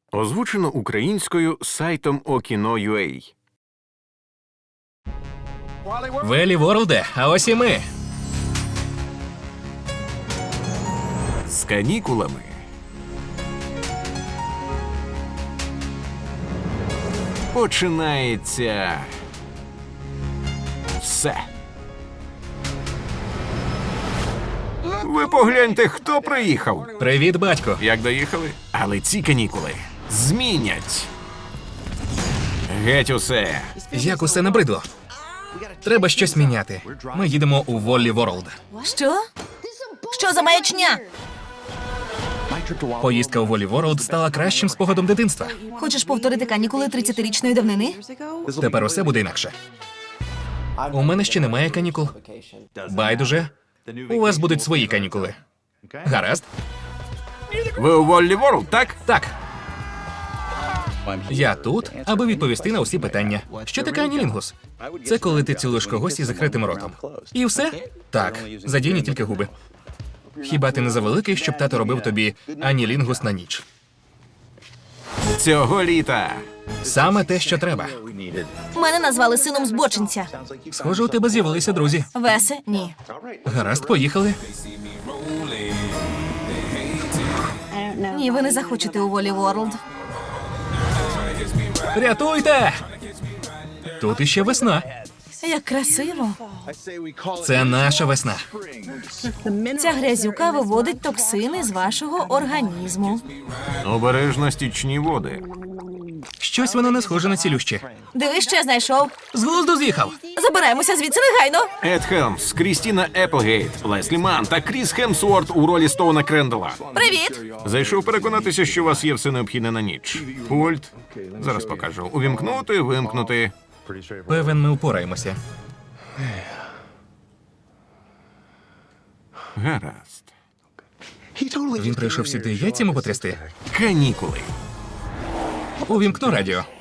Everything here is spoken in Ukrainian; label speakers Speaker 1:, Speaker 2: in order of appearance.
Speaker 1: Озвучено українською сайтом Okino.ua.
Speaker 2: Велі Ворлде, а ось і ми.
Speaker 1: З канікулами. Починається все. Ви погляньте, хто приїхав.
Speaker 2: Привіт, батько.
Speaker 1: Як доїхали? Але ці канікули змінять геть усе.
Speaker 2: Як усе набридло. Треба щось міняти. Ми їдемо у Воллі Ворлд.
Speaker 3: Що? Що за маячня?
Speaker 2: Поїздка у Воллі Ворлд стала кращим спогадом дитинства.
Speaker 3: Хочеш повторити канікули 30-річної давнини?
Speaker 2: Тепер усе буде інакше. У мене ще немає канікул. Байдуже. У вас будуть свої канікули. Гаразд?
Speaker 1: Ви у Воллі Ворлд, так?
Speaker 2: Так. Я тут, аби відповісти на усі питання. Що таке анілінгус? Це коли ти цілуєш когось із закритим ротом. І все? Так. Задійні тільки губи. Хіба ти не завеликий, щоб тато робив тобі анілінгус на ніч?
Speaker 1: Цього літа.
Speaker 2: Саме те, що треба.
Speaker 3: Мене назвали сином збочинця.
Speaker 2: Схоже, у тебе з'явилися друзі.
Speaker 3: Весе? Ні.
Speaker 2: Гаразд, поїхали.
Speaker 3: Ні, ви не захочете у Волі Ворлд.
Speaker 2: Рятуйте! Тут іще весна.
Speaker 3: Як красиво.
Speaker 2: Це наша весна.
Speaker 3: Ця грязюка виводить токсини з вашого організму.
Speaker 1: Обережно стічні води.
Speaker 2: Щось воно не схоже на цілюще.
Speaker 3: Дивись, що я знайшов.
Speaker 2: З глузду з'їхав.
Speaker 3: Забираємося звідси негайно.
Speaker 1: Ед Хелмс, Крістіна Еплгейт, Леслі Манн та Кріс Хемсворт у ролі Стоуна Крендела.
Speaker 3: Привіт.
Speaker 1: Зайшов переконатися, що у вас є все необхідне на ніч. Пульт. Зараз покажу. Увімкнути, вимкнути.
Speaker 2: Певен, ми упораємося.
Speaker 1: Гаразд.
Speaker 2: Він прийшов сюди яйцями потрясти.
Speaker 1: Канікули.
Speaker 2: Увімкну радіо.